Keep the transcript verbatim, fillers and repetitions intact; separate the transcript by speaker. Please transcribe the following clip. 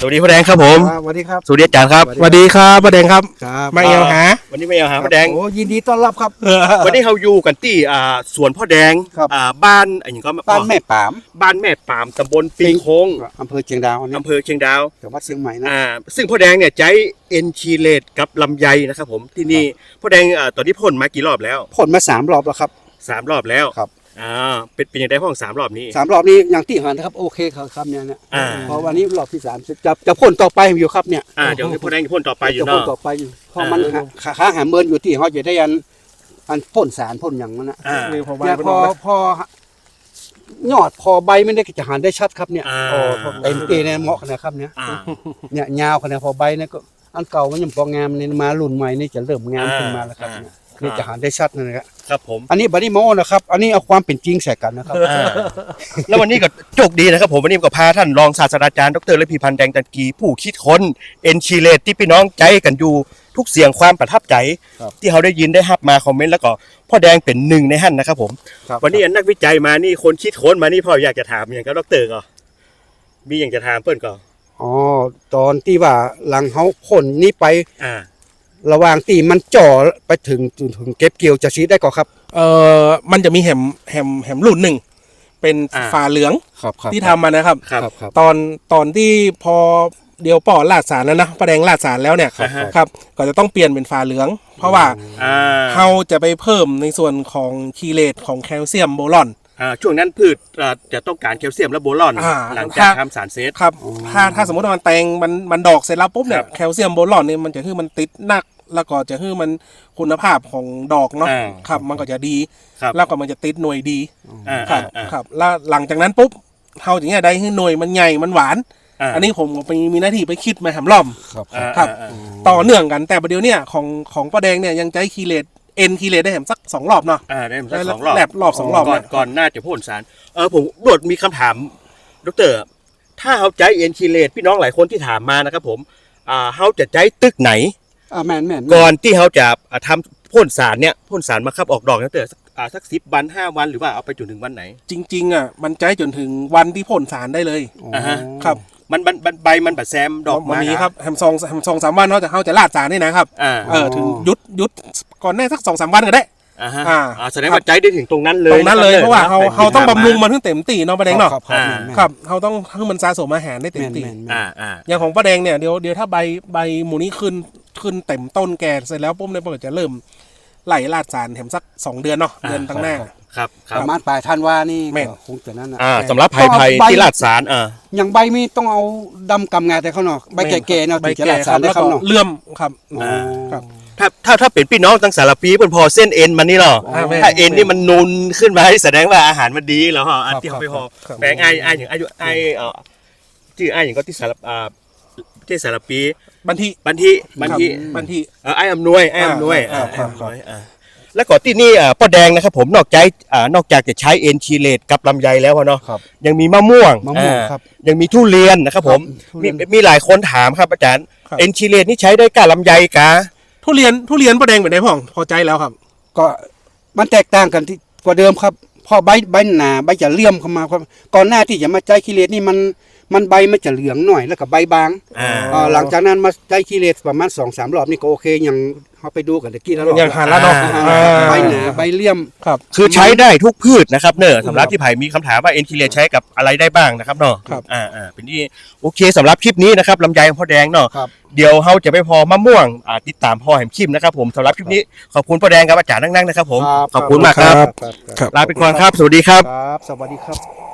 Speaker 1: สวัสดีพ่อแดงครับผม
Speaker 2: สวัสดีครับ
Speaker 1: สวัสดีอาจารย์ครับ
Speaker 3: สวัสดีครับพ่อแดงครับมาเอวหา
Speaker 1: วันนี้มาเอวหาพ่อแดง
Speaker 2: โอ้ยินดีต้อนรับครับ
Speaker 1: วันนี้เราอยู่กันที่อ่าสวนพ่อแดงอ่าบ้านอะไรอย่างก็
Speaker 2: บ้านแม่ปาม
Speaker 1: บ้านแม่ปามตำบลปิงโค้ง
Speaker 2: อำเภอเชียงดาว
Speaker 1: อำเภอเชียงดาว
Speaker 2: จังหวัดเชียงใหม่นะ
Speaker 1: อ่าซึ่งพ่อแดงเนี่ยใจเอ็นชีเลตกับลำไยนะครับผมที่นี่พ่อแดงอ่าตอนนี้พ่นมากี่รอบแล้ว
Speaker 2: พ่นมาสามรอบแล้วครับ
Speaker 1: สามรอบแล้ว
Speaker 2: ครับ
Speaker 1: อ่าเป็นเป็นยังไงห้องสามรอบนี้
Speaker 2: สามรอบนี้อย่างที่หันนะครับโอเคครับครับเนี่ยเนี่ยพอวันนี้รอบที่สามจะจะพ่นต่อไปอยู่ครับเนี่ย
Speaker 1: อ่าเดี๋ยวพ่อแดงพ่นต่อไปอยู่เนาะ
Speaker 2: จะพ่นต่อไปอยู่เพราะมันขาหาเมินอยู่ที่เขาจะได้อันอันพ่นสารพ่นอย่างนั้นนะเนี่ยพอพอยอดพอใบไม่ได้จะหันได้ชัดครับเนี่ยเต็มเต็มเนี่ยเหมาะนะครับเนี่ยเนี่ยยาวขนาดพอใบเนี่ยก็อันเก่ามันยังพองามเนี่ยมารุ่นใหม่นี่จะเริ่มงามขึ้นมาแล้วครับเนี่ยคือจะหันได้ชัดนะครับ
Speaker 1: ครับผม
Speaker 2: อันนี้บัดดี้โมนะครับอันนี้เอาความเป็นจริงใส่กันนะครับ
Speaker 1: แล้ววันนี้ก็โชคดีนะครับผมวันนี้ก็พาท่านรองศาสตราจารย์ดร.ระพีพันธ์แดงจันกีผู้คิดค้นเอ็นชีเลตที่พี่น้องใจกันอยู่ทุกเสียงความประทับใจที่เขาได้ยินได้ฮับมาคอมเมนต์แล้วก็พ่อแดงเป็นหนึ่งในหั่นนะครับผมวันนี้นักวิจัยมานี่คนคิดค้นมานี่พ่ออยากจะถามอย่างกับดร.ก็มีอย่างจะถามเพื่อนก็
Speaker 2: อ๋อตอนที่ว่าหลังเขาพ่นนี่ไป
Speaker 1: อ่า
Speaker 2: ระหว่างตีมันจ่อไปถึงถึงเก็บเกี่ยวจะชี้ได้ก่อนครับ
Speaker 3: เอ่อมันจะมีแหมแหมแหมรุ่นหนึ่งเป็นฝาเหลืองที่ทำมานะครับตอนตอนที่พอเดียวป่อลาดสารแล้วนะประแดงลาดสารแล้วเนี่ยครับก็จะต้องเปลี่ยนเป็นฝาเหลืองเพราะว่าเราจะไปเพิ่มในส่วนของคีเลตของแคลเซียมโบรอน
Speaker 1: ช่วงนั้นพืชจะต้องการแคลเซียมและโบรอนหลังจากทำสารเซต
Speaker 3: ครับถ้าถ้าสมมติว่ามันแตงมันมันดอกเสร็จแล้วปุ๊บเนี่ยแคลเซียมโบรอนเนี่ยมันจะคือมันติดนักแล้วก็จะคือมันคุณภาพของดอกเนาะครับมันก็จะดีแล้วก็มันจะติดหน่วยดีครับครับแล้วหลังจากนั้นปุ๊บเท่าอย่างเงี้ยได้ให้หน่วยมันใหญ่มันหวานอันนี้ผมไปมีหน้าที่ไปคิดมาแหมล้อมครับต่อเนื่องกันแต่ประเดี๋ยวเนี่ยของของป้าแดงเนี่ยยังใจคีเลตเอ็นคีเลตได้แหมสักสองรอบเนาะ
Speaker 1: อ่าได้สักสองรอบ
Speaker 3: แลบรอบสองรอบ
Speaker 1: ก่อนก่อนน่าจะพ่นสารเออผมโดดมีคำถามดร.ถ้าเขาใจเอ็นคีเลตพี่น้องหลายคนที่ถามมานะครับผมอ่าเขาจะใจตึกไหน
Speaker 2: อ่าแม่นแม่น
Speaker 1: ก่อนที่เขาจะทำพ่นสารเนี่ยพ่นสารมาครับออกดอกตั้งแต่อ่าสักสิบวันห้าวันหรือว่าเอาไปจนถึงวันไหน
Speaker 3: จริงๆอ่ะมันใจจนถึงวันที่พ่นสารได้เลย
Speaker 1: อ่าฮะ
Speaker 3: ครับ
Speaker 1: มันใบมันบัดแซมดอก
Speaker 3: มันนี้ครับแฮมซองแฮมซองสามวันเขาจะเขาจะลาดสารนี่นะครับเออถึงยุดยุดก่อนแน่สักสองสามวันก็ได้
Speaker 1: อ่าฮะอ่าแสดงว่าใจได้ถึงตรงนั้นเลย
Speaker 3: ตรงนั้นเลยเพราะว่าเขาเขาต้องบำรุงมันให้เต็มตีเนาะป้าแดงเนาะครับเขาต้องให้มันสะสมอาหารได้เต็มตี
Speaker 1: อ่าอ่า
Speaker 3: อย่างของป้าแดงเนี่ยเดี๋ยวเดี๋ยวถ้าใบใบหมูนี้ขึ้นขึ้นเต็มต้นแก่เสร็จแล้วปุ๊บเนี่ยมันจะเริ่มไหลลาดสารแถมสักสองเดือนเนาะเดือนตั้งหน้า
Speaker 1: ครับ
Speaker 2: ประมาณปลายธันวานี่คงจะนั่นนะ
Speaker 1: อ่าสำหรับไผ่ไผ่ที่ลาดสารอ่า
Speaker 2: อย่างใบมีต้องเอาดำกำงาแต่เขาเนาะใบแก่ๆเนาะถึงจะลาดสารได้ครับเนาะ
Speaker 3: เลื่อมครับ
Speaker 1: ครับถ้าถ้าถ้าเป็นพี่น้องตั้งสารปีเป็นพอเส้นเอ็นมันนี่หรอถ้าเอ็นนี่มันนูนขึ้นมาให้แสดงว่าอาหารมันดีแล้วฮะอันที่เขาไปพอแปลงไอ้ไอ้อย่างไอ้ไอ้เอ่อชื่อไอ้อย่างก็ที่สารอ่าที่สารปี
Speaker 3: บันที
Speaker 1: บันทีบันที
Speaker 3: บันที
Speaker 1: เออไอ้อำนวยไอ้อำนวยอ่าไอ้อำนวยอ่าแล้วก่อนที่นี่อ่าป้าแดงนะครับผมนอกจากอ่านอกจากจะใช้เอ็นชีเลตกับลำไยแล้วเนาะยังมีมะม่วง
Speaker 2: มะม่วงครับ
Speaker 1: ยังมีทุเรียนนะครับผมมีมีหลายคนถามครับอาจารย์เอ็นชีเลตนี่ใช้ได้กับลำไยกะ
Speaker 3: ทุเรียนทุเรียนป้าแดงเป็นไงพ่อพอใจแล้วครับ
Speaker 2: ก็มันแตกต่างกันที่กว่าเดิมครับพอใบใบหนาใบจะเลื่อมเข้ามาครับก่อนหน้าที่จะมาใจคีเลตนี่มันมันใบมันจะเหลืองหน่อยแล้วก็ใบบางหลังจากนั้นมาใจคีเลตประมาณสองสามรอบนี่ก็โอเคยังเขาไปดูกันตะกี้แล้ว
Speaker 3: ยังหันแล้วเนาะ
Speaker 2: ใบหนาใบเลี่ยม
Speaker 1: ครับคือใช้ได้ทุกพืชนะครับเนอะสำหรับที่ไผ่มีคำถามว่าเอ็นคีเลตใช้กับอะไรได้บ้างนะครับเนาะอ่าอ่าเป็นที่โอเคสำหรับคลิปนี้นะครับลำไยพ่อแดงเนาะเดี๋ยวเขาจะไปพอมะม่วงอ่าติดตามพ่อแหมคิมนะครับผมสำหรับคลิปนี้ขอบคุณพ่อแดงครับอาจารย์นั่งๆนะครับผมขอบคุณมากครับลาไปก่อนครับสวัสดีครับ
Speaker 2: ครับสวัสดีครับ